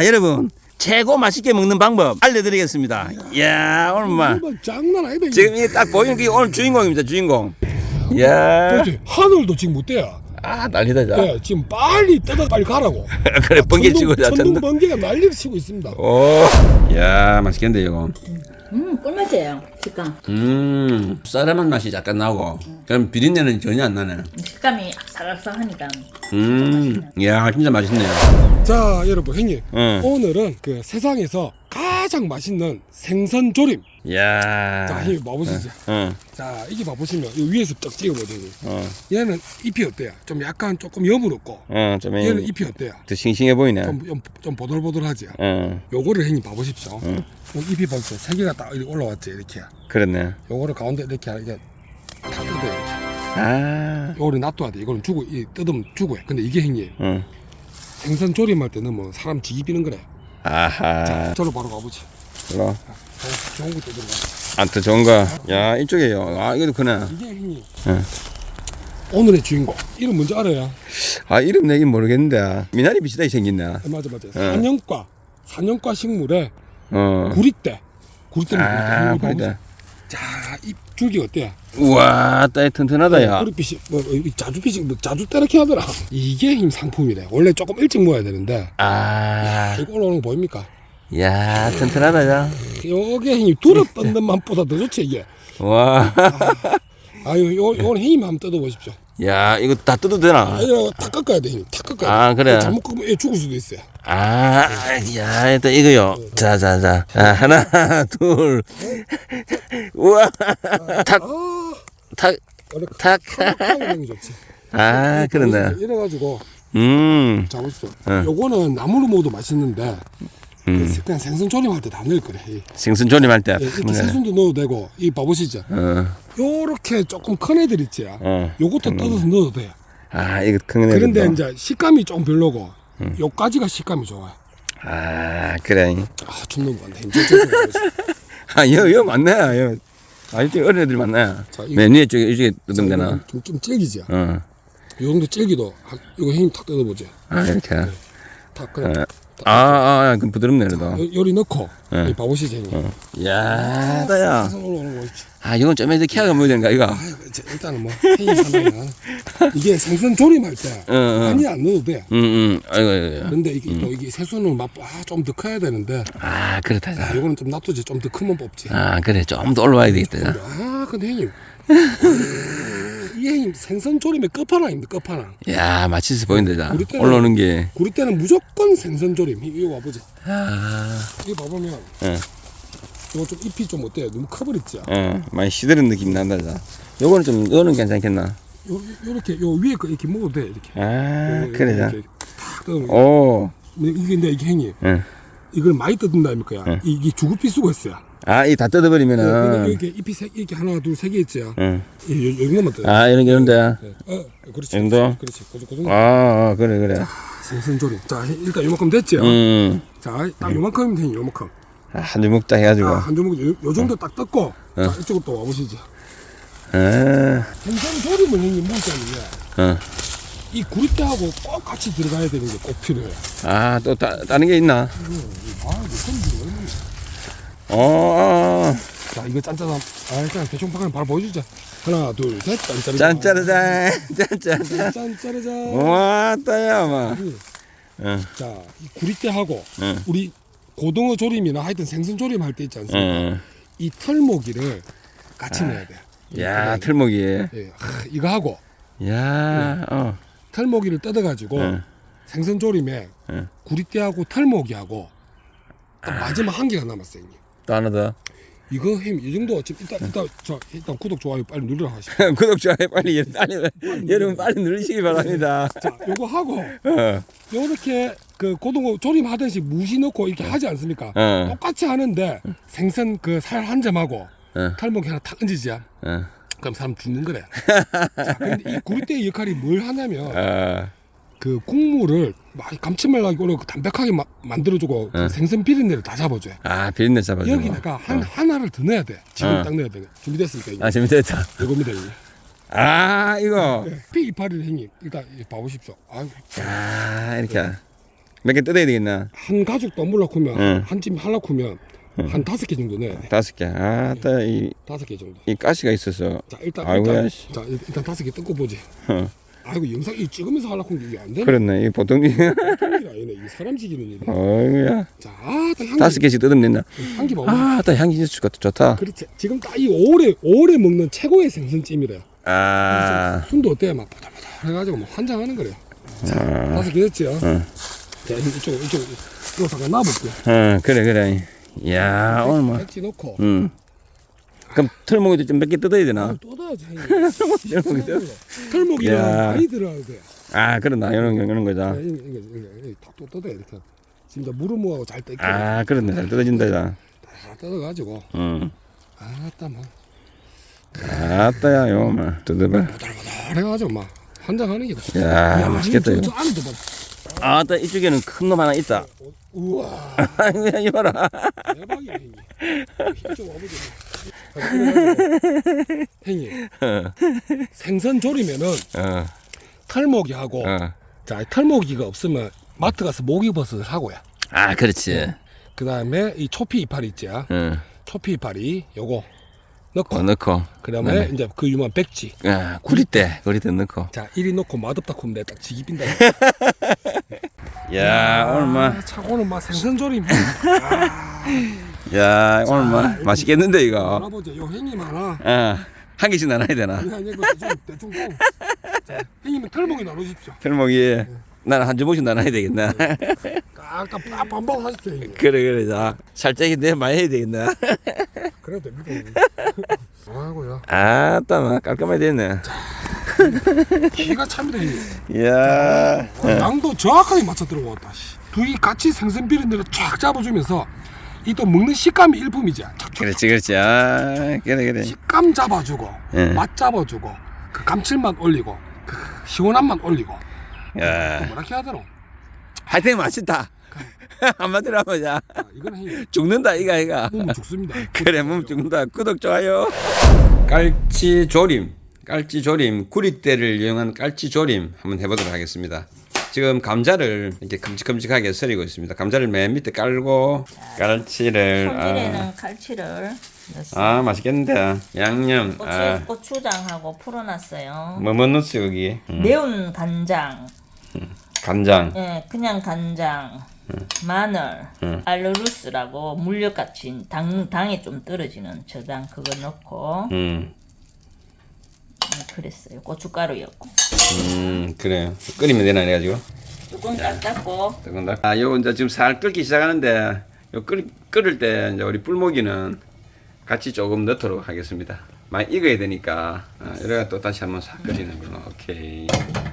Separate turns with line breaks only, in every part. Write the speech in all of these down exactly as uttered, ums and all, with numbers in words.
자, 여러분. 최고 맛있게 먹는 방법 알려드리겠습니다. 이야, 오늘 막
장난 아니다.
지금 이 딱 보이는 게 오늘 주인공입니다. 주인공. 이야.
그렇지. 하늘도 지금 못 돼요.
아, 난리다. 자.
네, 지금 빨리 뜯어 빨리 가라고.
그래, 번개 치고 자.
천둥 번개가 난리를 치고 있습니다.
오. 이야, 맛있겠는데 이거.
음, 꿀맛이에요. 식감.
음, 쌀쌀한 맛이 약간 나고. 그럼 비린내는 전혀 안 나네.
식감이 아삭아삭하니까.
음, 이야, 진짜 맛있네요.
자, 여러분, 형님.
응.
오늘은 그 세상에서 가장 맛있는 생선 조림.
이야.
자, 형님 봐보시죠.
응.
자, 이게 봐보시면 이 위에서 딱 찍어보세요.
어.
얘는 잎이 어때요? 좀 약간 조금 여부럽고.
어, 좀
얘는 잎이 어때요?
더 싱싱해 보이네.
좀, 좀, 좀 보들보들하지.
어,
요거를 형님 봐보십시오. 요 잎이 벌써 세 개가 딱 이렇게 올라왔지, 이렇게.
그렇네.
요거를 가운데 이렇게 이렇게 다 뜯어요, 이렇게.
아,
요거를 놔둬야 돼. 이거는 주고, 이 뜯으면 주고 해. 근데 이게 형님,
응.
생선 조림할 때는 뭐 사람 지기 비는 거래.
아하.
자, 저로 바로 가보지.
일로.
좋은, 좋은 거 뜯으러 가.
아, 더 좋은 거. 야, 이쪽에요. 아, 이것도 크네.
이게 형님,
응.
오늘의 주인공. 이름 뭔지 알아요?
아, 이름 내긴 모르겠는데. 미나리 비슷하게 생겼네.
네, 맞아, 맞아. 사년과, 사년과 식물에
어.
구리대. 구리대.
아, 그래.
자, 이 줄기 어때요?
우와, 따위 튼튼하다, 야.
구릿빛이, 뭐, 이 자주빛이, 뭐, 자주 때렇게 하더라. 이게 힘 상품이래. 원래 조금 일찍 모아야 되는데.
아,
이거 올라오는 거 보입니까?
야, 튼튼하다, 야.
요게 힘이 두릅 뜯는 맛보다 더 좋지, 이게.
와.
아유, 요, 요건 힘 한번 뜯어보십시오.
야, 이거 다 뜯어도 되나?
아, 이거 탁 깎아야 돼, 힘. 탁 깎아야 돼.
아, 그래.
잘못 깎으면 얘 죽을 수도 있어요.
아, 야, 일단 이거요. 자, 자, 자. 아, 하나, 둘. 우와. 탁,
아,
탁,
원래
탁.
탁하게 게 좋지.
아, 그러네.
이래가지고,
음.
자, 보십시오.
응.
요거는 나물로 먹어도 맛있는데,
음.
그냥 생선 조림할 때 다 넣을 거래. 이.
생선 조림할 때.
예, 이렇게 새순도 넣어도 되고, 이 봐보시죠.
어,
요렇게 조금 큰 애들 있지.
어.
요것도 뜯어서 넣어도 돼요.
아, 이거 큰 애들.
그런데 이제 식감이 좀 별로고, 요까지가 식감이 좋아요.
아, 그래.
아, 죽는 거 같네. 이제 좀
아, 여, 여 맞네. 여. 아, 이쪽 어린 애들 맞네.
자, 이-
맨 위에 쪽에, 이쪽에 뜯으면 되나?
좀, 좀 질기지.
어.
요 정도 질기도, 한- 이거 힘 탁 뜯어보지.
아, 이렇게.
탁, 그래.
어. 아, 아, 아, 그럼 부드럽네, 그래도.
요, 요리 넣고,
네.
이 봐보시죠, 형님.
야, 다야.
사선 올라오는 거 보십시오.
아, 이건 좀 이제 키아가 뭐야 되는가, 이거?
아, 이제 일단은 뭐, 회의 하나는, 이게 생선 조림할 때,
어, 어.
많이 안 넣어도 돼.
응, 응. 아이고, 아이고.
그런데 이게 또 이게 새순은 맛, 아, 좀 더 커야 되는데,
아, 그렇다.
아,
자.
요거는 좀 놔두지. 좀 더 크면 뽑지.
아, 그래. 좀 더 올라와야 되겠다. 자.
아, 근데 형님. 이 형님 생선 조림의 끝판왕입니다, 끝판왕.
야, 맛있어 보인다, 자.
우리 때는-
올라오는 게.
구리 때는 무조건 생선 조림. 이- 이거 봐보자.
아,
이거 봐보면,
응.
이거 좀 잎이 좀 어때요? 너무 커버렸지? 요,
어, 많이 시드는 느낌 난다, 자. 요거는 좀, 요거는 괜찮겠나?
요렇게, 요 위에 거 이렇게 먹어도 돼, 이렇게.
아,
요-
그래, 자.
이렇게 탁 뜯으면.
오,
근데 이게, 근데 이게 형님,
응.
이걸 많이 뜯는다니까.
응.
이게 죽을피 쓰고 있어요.
아, 이 다
네, 근데
뜯어버리면은.
이렇게 잎이 세, 이렇게 하나, 둘, 세 개 있죠?
응.
이, 요, 요 정도만 뜯어.
아, 이런 게 이런데.
네. 어, 그렇지.
이 정도?
그렇지. 그, 그 정도.
아, 아, 그래, 그래.
생선 조림. 자, 일단 요만큼 됐죠?
음.
자, 딱 요만큼이면 되니, 요만큼.
아, 한 주먹 딱 해가지고.
아, 한 조목, 요, 요 정도 딱 뜯고, 자, 이쪽으로 또 와보시죠.
아,
생선 조림을 형님 먹자면요.
어.
이 구리대하고 꼭 같이 들어가야 되는 게 꼭 필요해요.
아, 또 따, 다른 게 있나?
아, 이거 손질이 얼마나.
어,
자, 이거 짠짜다. 아, 일단 대충 방금 바로 보여주자. 하나, 둘, 셋, 짠짜르자.
짠짜르잔, 짠짜르잔.
짠짜르자.
와, 따야, 마. 응,
자, 이 구리대하고
응.
우리 고등어 조림이나 하여튼 생선 조림 할 때 있지 않습니까?
응.
이 털모기를 같이 넣어야 돼.
야, 털목이.
예, 아, 이거 하고
야, 어.
털모기를 뜯어가지고
응.
생선 조림에
응.
구리대하고 털모기하고 딱 마지막 한 개가 남았어요, 형님.
또 하나 더.
이거 햄 이 정도 지금 일단 일단 저 일단 구독 좋아요 빨리 눌러라 하시고.
구독, 좋아요, 빨리, 빨리, 여러분 빨리 누르시기 바랍니다.
자, 요거 하고
어,
요렇게 그 고등어 조림 하듯이 무시 넣고 이렇게 하지 않습니까?
어.
똑같이 하는데 생선 그 살 한 점하고
어.
탈모기 하나 탁 얹으지.
어,
그럼 사람 죽는 거래. 자, 근데 이 구리대의 역할이 뭘 하냐면
어.
그 국물을 막 감칠맛나게 오래 담백하게 마, 만들어주고 그
어.
생선 비린내를 다 잡아줘요.
아, 비린내 잡아주고.
여기다가 한 하나를 더 넣어야 돼. 지금
어.
딱 넣어야 돼. 준비됐습니까? 이거?
아, 재밌겠다.
이겁니다. 이거.
아, 이거.
피 이파리를 형님 일단 이거 봐보십시오. 아유,
아, 이렇게. 몇 개 뜯어야 되겠나?
한 가죽 덤블락 하면
응.
한찜 할락 하면 한 다섯 개 정도 넣어야 돼.
다섯 개. 아따 이,
다섯 개 정도.
이 가시가 있어서.
자 일단
아이고야,
일단
씨.
자 일단 다섯 개 뜯고 보지.
어.
아이고 영상 이 찍으면서 할락 하는 게 이게 안 되네.
그렇네. 이 보통 이
일이 아니네. 이 사람 지기는 일이.
어이구야.
자, 아, 딱 향기.
다섯 개씩 뜯으면 된다.
향기 봐봐.
아따 향기 진짜 좋다.
그렇지. 지금 딱 이 오래 오래 먹는 최고의 생선찜이래요.
아.
순도 어때? 막 보들보들 해가지고 막 환장하는 거래요. 자,
아.
다섯 개 됐지요.
응.
자, 이쪽 이쪽 이거 잠깐 놔볼게.
어, 그래 그래. 야 오늘 뭐.
백지 넣고.
음. 그럼 털목이도 좀 몇 개 뜯어야 되나?
아, 또 넣어야지. 형님. 털목이랑
야.
많이 들어야 돼.
아 그렇나 이런 거 이런 거자.
자, 이거 이거 이거 이거 또 뜯어야 이렇게. 지금 이제 무르무하고 잘 뜯겨.
아 그렇네 잘 뜯어진다 자.
다 뜯어가지고.
응.
아따 뭐
아따야 요만 뜯어봐.
보들보들 해가지고 막 환장하는 게다.
야 맛있겠다
저,
이거.
저 안에도 막.
아따 이쪽에는 큰 놈 하나 있다.
우와.
아이고 이봐라.
대박이야 형님. 힘좀 와보자. 그래가지고, 형님 생선 조리면은
어.
털모기하고
어.
자 털모기가 없으면 마트 가서 모기버섯을 사고요.
아 그렇지.
그 다음에 이 초피 이파리 있지.
응.
초피 이파리 요거 넣고
어 넣고.
그 다음에
네.
이제 그 유명한 백지.
아 구리대 구리대 넣고.
자 이리 넣고 맛없다 하면 내가 딱 지기 빈다.
야 오늘 뭐.
아, 참 오늘 막 생선 조림.
야 오늘 뭐 맛있겠는데 이거.
알아보자. 요 형님 하나.
어한 개씩 나눠야 되나?
아니 아니 이거 대충 대충 고. 자 형님은 털모기 나눠주십시오.
털목이 나는 한 주먹씩 나눠야 되겠나?
깍깍 반반 하십시오 형님.
그래 그래 자 살짝이 내 많이 해야 되겠나?
그래도 됩니다. 아이고야.
아따 막 깔끔하게 됐네.
기가 참이다 형님.
이야.
어, 양도 정확하게 맞춰 들어왔다. 둘이 같이 생선 비린내를 쫙 잡아주면서 이 또 먹는 식감이 일품이지. 촥촥
그렇지 그렇지. 아 그래 그래.
식감 잡아주고
예.
맛 잡아주고 그 감칠맛 올리고 그 시원한 맛 올리고
야
뭐라 해야 되노?
하여튼 맛있다. 한마디로 하면 자
아, 이건 형님
죽는다 이가 이가.
몸 죽습니다.
그래 몸 죽는다. 구독 좋아요. 깔치 조림. 깔치 조림 구리대를 이용한 깔치 조림 한번 해보도록 하겠습니다. 지금 감자를 이렇게 큼직큼직하게 썰이고 있습니다. 감자를 맨 밑에 깔고 깔치를
손질에는
아,
칼치를 넣었어요.
아 맛있겠는데 양념
고추,
아,
고추장하고 풀어놨어요.
뭐 뭐 넣었어 여기 음,
매운 간장,
간장
예, 그냥 간장, 마늘,
음.
알루루스라고 물엿같이 당, 당에 좀 떨어지는 저당 그거 넣고
음,
음, 그랬어요. 고춧가루였고
음 그래요 끓이면 되나 해가지고
뚜껑 딱 닫고
뜨거운다. 아 요거 이제 지금 살 끓기 시작하는데 요 끓, 끓을 때 이제 우리 뿔모기는 같이 조금 넣도록 하겠습니다. 많이 익어야 되니까 아, 이래가 또 다시 한번 싹 끓이는 걸로. 오케이.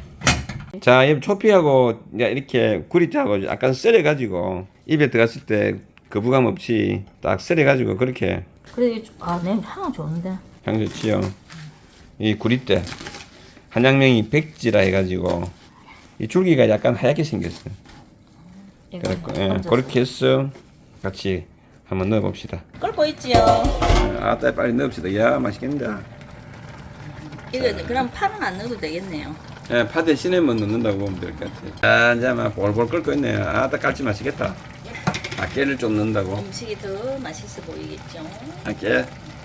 자, 이 초피하고 이제 이렇게 구리대하고 약간 썰어가지고 입에 들어갔을 때 거부감 없이 딱 썰어가지고 그렇게
그래 아 냄새 향 좋은데
향 좋지요. 이 구리대 한양명이 백지라 해가지고 이 줄기가 약간 하얗게 생겼어요. 그래갖고 예, 그렇게 해서 같이 한번 넣어봅시다.
끓고 있지요.
아따 빨리 넣읍시다. 야 맛있겠다.
이거 그럼 파는 안 넣어도 되겠네요.
예, 파 대신에만 넣는다고 보면 될 것 같아요. 아, 이제 막 볼볼 끓고 있네요. 아따 깔치 맛있겠다. 아, 깨를 좀 넣는다고.
음식이 더 맛있어 보이겠죠.
아, 깨.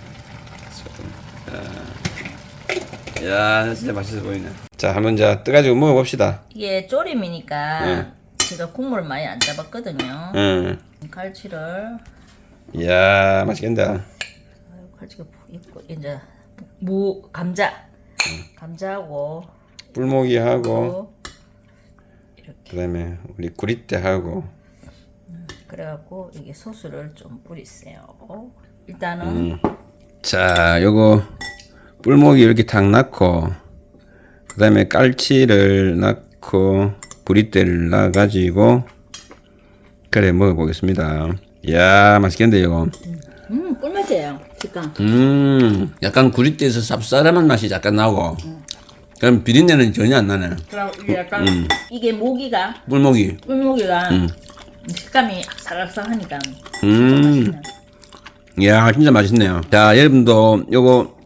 자, 야, 진짜 맛있어 보이네. 자, 한번 자 떠가지고 먹어봅시다.
이게 조림이니까
네.
제가 국물을 많이 안 잡았거든요.
응.
갈치를
이야, 맛있겠다.
아유, 갈치가 있고 이제 무 감자 감자하고
뿔모기하고
이렇게
그다음에 우리 구리대하고
그래갖고 이게 소스를 좀 뿌리세요. 일단은
음. 자, 요거 뿔모기 이렇게 탁 넣고 그다음에 깔치를 넣고 구리대를 넣어가지고 그래 먹어보겠습니다. 이야 맛있겠는데 이거.
음 꿀맛이에요. 식감.
음 약간 구리대에서 쌉싸름한 맛이 약간 나고 그럼 비린내는 전혀 안 나네.
그럼 이게 약간 이게 모기가
뿔모기.
꿀모기가 식감이 아삭아삭하니까
음. 이야 진짜 맛있네요. 자 여러분도 요거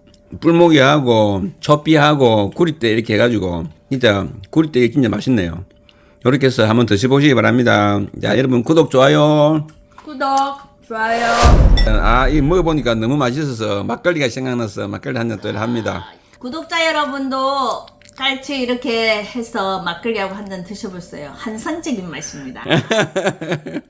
뿔모기하고 초피하고 구리대 이렇게 해가지고 진짜 구리대 진짜 맛있네요. 이렇게 해서 한번 드셔보시기 바랍니다. 자, 여러분 구독, 좋아요.
구독, 좋아요.
아, 이 먹어보니까 너무 맛있어서 막걸리가 생각나서 막걸리 한 잔 또 합니다.
구독자 여러분도 같이 이렇게 해서 막걸리하고 한 잔 드셔보세요. 환상적인 맛입니다.